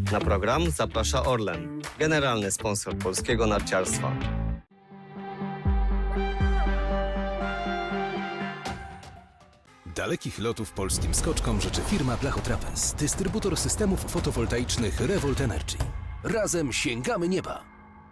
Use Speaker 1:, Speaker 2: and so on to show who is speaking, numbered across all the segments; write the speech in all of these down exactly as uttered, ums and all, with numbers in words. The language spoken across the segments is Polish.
Speaker 1: Na program zaprasza Orlen, generalny sponsor polskiego narciarstwa.
Speaker 2: Dalekich lotów polskim skoczkom życzy firma Blachotrapez, dystrybutor systemów fotowoltaicznych Revolt Energy. Razem sięgamy nieba!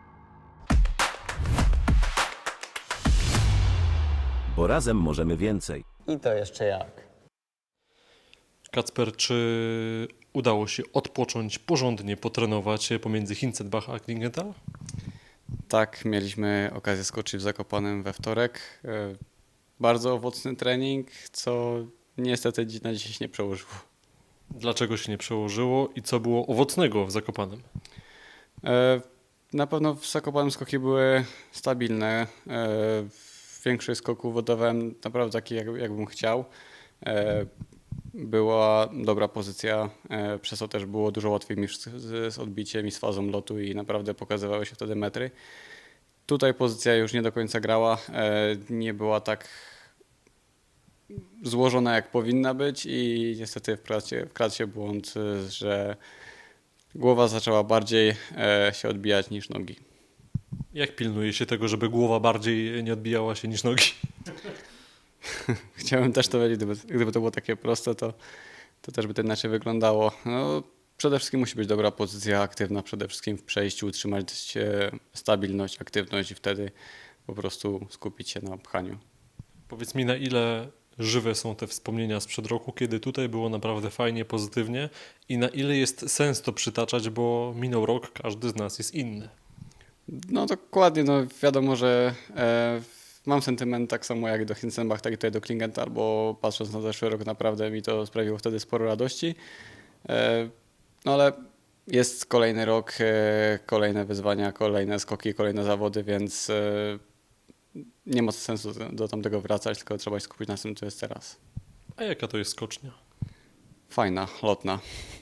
Speaker 3: Bo razem możemy więcej.
Speaker 4: I to jeszcze jak.
Speaker 5: Kacper, czy udało się odpocząć, porządnie potrenować pomiędzy Hinzenbach a Klingenthal?
Speaker 6: Tak, mieliśmy okazję skoczyć w Zakopanem we wtorek. E, Bardzo owocny trening, co niestety dzi- na dzisiaj się nie przełożyło.
Speaker 5: Dlaczego się nie przełożyło i co było owocnego w Zakopanem?
Speaker 6: E, Na pewno w Zakopanem skoki były stabilne. E, Większość skoków oddawałem naprawdę taki, jak, jakbym chciał. E, Była dobra pozycja, e, przez to też było dużo łatwiej mi z, z odbiciem i z fazą lotu i naprawdę pokazywały się wtedy metry. Tutaj pozycja już nie do końca grała, e, nie była tak złożona jak powinna być i niestety wkradł się, wkradł się błąd, e, że głowa zaczęła bardziej e, się odbijać niż nogi.
Speaker 5: Jak pilnuje się tego, żeby głowa bardziej nie odbijała się niż nogi?
Speaker 6: Chciałem też to wiedzieć, gdyby, gdyby to było takie proste, to, to też by to inaczej wyglądało. No, przede wszystkim musi być dobra pozycja aktywna, przede wszystkim w przejściu utrzymać się stabilność, aktywność i wtedy po prostu skupić się na pchaniu.
Speaker 5: Powiedz mi, na ile żywe są te wspomnienia sprzed roku, kiedy tutaj było naprawdę fajnie, pozytywnie i na ile jest sens to przytaczać, bo minął rok, każdy z nas jest inny.
Speaker 6: No dokładnie, no wiadomo, że e, mam sentyment tak samo jak do Hinzenbach, tak i tutaj do Klingenthal, bo patrząc na zeszły rok naprawdę mi to sprawiło wtedy sporo radości. E, no ale jest kolejny rok, e, kolejne wyzwania, kolejne skoki, kolejne zawody, więc e, nie ma sensu do, do tamtego wracać, tylko trzeba się skupić na tym, co jest teraz.
Speaker 5: A jaka to jest skocznia?
Speaker 6: Fajna, lotna.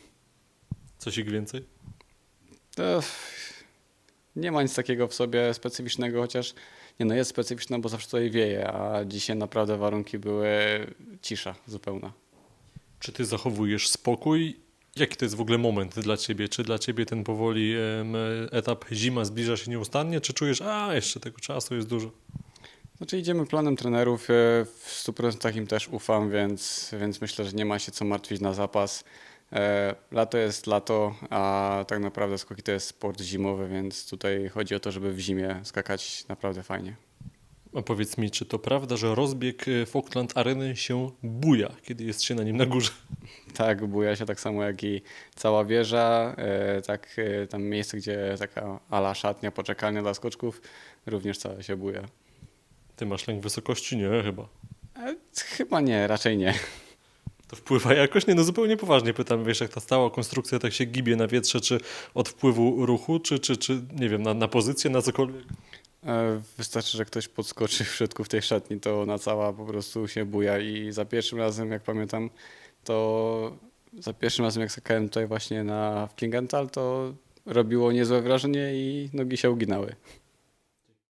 Speaker 5: Coś ich więcej?
Speaker 6: To nie ma nic takiego w sobie specyficznego, chociaż nie no jest specyficzna, bo zawsze tutaj wieje, a dzisiaj naprawdę warunki były cisza zupełna.
Speaker 5: Czy ty zachowujesz spokój? Jaki to jest w ogóle moment dla ciebie? Czy dla ciebie ten powoli em, etap zima zbliża się nieustannie? Czy czujesz, a jeszcze tego czasu jest dużo?
Speaker 6: Znaczy idziemy planem trenerów, e, w stu procentach im też ufam, więc, więc myślę, że nie ma się co martwić na zapas. E, Lato jest lato, a tak naprawdę skoki to jest sport zimowy, więc tutaj chodzi o to, żeby w zimie skakać naprawdę fajnie.
Speaker 5: A powiedz mi, czy to prawda, że rozbieg e, Falkland Areny się buja, kiedy jest się na nim na górze?
Speaker 6: Tak, buja się tak samo jak i cała wieża, e, tak e, tam miejsce, gdzie taka ala szatnia, poczekalnia dla skoczków, również całe się buja.
Speaker 5: Ty masz lęk wysokości? Nie, chyba.
Speaker 6: E, Chyba nie, raczej nie.
Speaker 5: To wpływa jakoś? Nie, no zupełnie poważnie pytam, wiesz, jak ta stała konstrukcja tak się gibie na wietrze, czy od wpływu ruchu, czy, czy, czy nie wiem, na, na pozycję, na cokolwiek?
Speaker 6: E, Wystarczy, że ktoś podskoczy w środku w tej szatni, to ona cała po prostu się buja i za pierwszym razem, jak pamiętam, to za pierwszym razem jak skakałem tutaj właśnie na w Klingenthal, to robiło niezłe wrażenie i nogi się uginały.